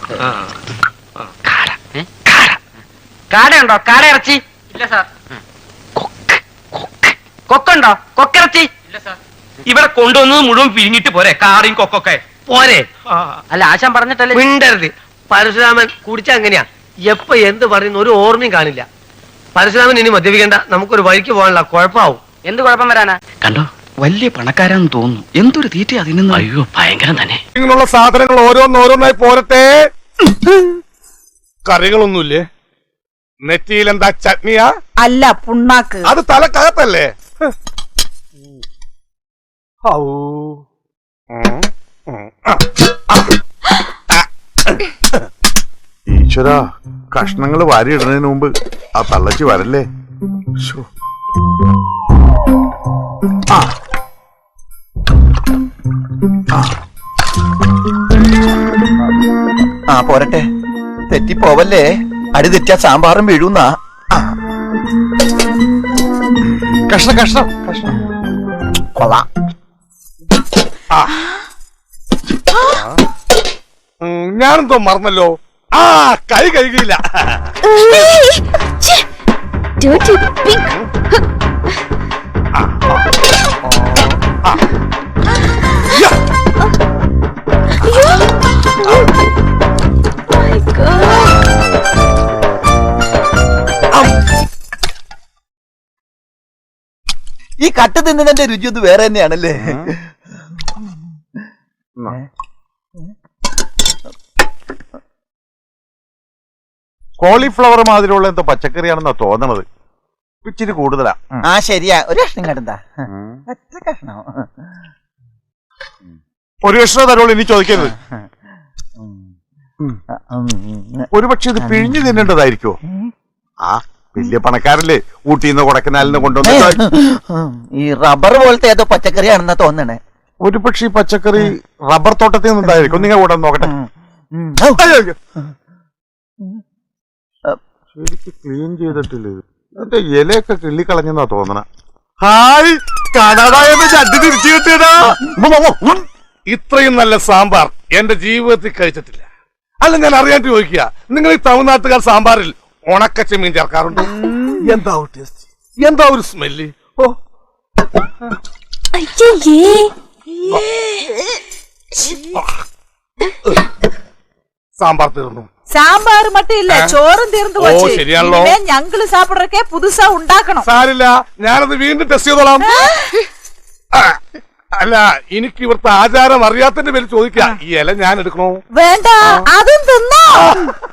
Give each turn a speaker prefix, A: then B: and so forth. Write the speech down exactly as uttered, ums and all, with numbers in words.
A: കാടയുണ്ടോ? കാട ഇറച്ചി ഇല്ല സാർ. കൊക്കുണ്ടോ? കൊക്കിറച്ചി ഇല്ല സാർ. ഇവിടെ കൊണ്ടുവന്നത് മുഴുവൻ പിരിഞ്ഞിട്ട് പോരെ? കാറിയും കൊക്കൊക്കെ പോരെ? അല്ല, ആശാൻ പറഞ്ഞിട്ടല്ലേ.
B: മിണ്ടരുത്. പരശുരാമൻ കുടിച്ച അങ്ങനെയാ, എപ്പ എന്ത് പറയുന്ന ഒരു ഓർമ്മയും കാണില്ല. പരശുരാമൻ ഇനി മദ്യപിക്കണ്ട, നമുക്കൊരു വഴിക്ക് പോകാനുള്ള കുഴപ്പമാവും.
A: എന്ത് കുഴപ്പം വരാനാ?
C: കണ്ടോ, വലിയ പണക്കാരാന്ന് തോന്നുന്നു. എന്തൊരു തീറ്റ അതിന്. അയ്യോ, ഭയങ്കരം തന്നെ.
D: ഇങ്ങനെയുള്ള സാധനങ്ങൾ ഓരോന്നോരോന്നായി പോരട്ടെ. കറികളൊന്നുമില്ലേ? നെറ്റിയിൽ എന്താ ചട്നിയാ? അല്ല, പുണ്ണാക്ക്. അത് തലക്കകത്തല്ലേ?
E: ഈശ്വര, കഷ്ണങ്ങൾ വാരിയിടുന്നതിന് മുമ്പ് ആ തള്ളച്ചി വരല്ലേ.
F: ആ പോരട്ടെ, തെറ്റിപ്പോവല്ലേ. അടി തെറ്റാ സാമ്പാറും വീഴുന്ന.
E: കഷ്ണം കഷ്ണം കഷ്ണം
F: കൊള്ളാം.
D: ഞാനെന്തോ മറന്നല്ലോ. ആ, കൈ കഴുകിയില്ല.
F: ഈ കട്ട് തിന്നതിന്റെ രുചി ഒന്ന് വേറെ തന്നെയാണല്ലേ.
E: കോളിഫ്ലവർ മാതിരിയുള്ള എന്തോ പച്ചക്കറിയാണെന്നാ തോന്നണത്. ഇച്ചിരി കൂടുതലാ.
F: ആ ശരിയാ, ഒരു കഷ്ണം കണ്ടാ. കഷ്ണം
E: ഒരു കഷ്ണം തരുള്ളൂ, ഇനി ചോദിക്കരുത്. ഒരുപക്ഷെ ഇത് പിഴിഞ്ഞു തിന്നേണ്ടതായിരിക്കോ? ആ വലിയ പണക്കാരല്ലേ ഊട്ടിന്ന് കൊടക്കനാലിന് കൊണ്ടുവന്ന.
F: ഈ റബ്ബർ പോലത്തെ ഏതോ പച്ചക്കറിയാണെന്നാ തോന്നണേ.
E: ഒരു പക്ഷെ ഈ പച്ചക്കറി റബ്ബർ തോട്ടത്തിൽ നിന്നുണ്ടായിരിക്കും. നിങ്ങൾ കൂടെ നോക്കട്ടെ. ശരിക്ക് ക്ലീൻ ചെയ്തിട്ടില്ല. ഇതിന്റെ ഇലയൊക്കെ കിള്ളിക്കളഞ്ഞെന്നാ തോന്നണ.
D: ഹായ്, കടടായെന്ന് ചട്ടി തിരിച്ചു കിട്ടിയടാ. ഇത്രയും നല്ല സാമ്പാർ എന്റെ ജീവിതത്തിൽ കഴിച്ചിട്ടില്ല. അല്ല, ഞാൻ അറിയാണ്ട് ചോദിക്കുക, നിങ്ങൾ ഈ തമിഴ്നാട്ടുകാർ സാമ്പാറിൽ ഉണക്കച്ചെമ്മീൻ ചേർക്കാറുണ്ട്? എന്താ ടേസ്റ്റ്, എന്താ ഒരു സ്മെല്ല്. ഓ, സാമ്പാർ തീർന്നു.
G: சாம்பார் மட்டும் இல்ல, சோறும் தீர்ந்து போச்சு.
D: ശരിയാണല്ലോ.
G: ഞങ്ങള് സാപ്പിടറക്കെ പുതുസാ ഉണ്ടാക്കണം.
D: സാരില്ല, ഞാനത് വീണ്ടും ടെസ്റ്റ് ചെയ്തോളാം. അല്ല, എനിക്ക് ഇവിടുത്തെ ആചാരം അറിയാത്തതിന്റെ പേര് ചോദിക്കാം, ഈ ഇല ഞാൻ എടുക്കണോ?
G: വേണ്ട, അതും തിന്നോ.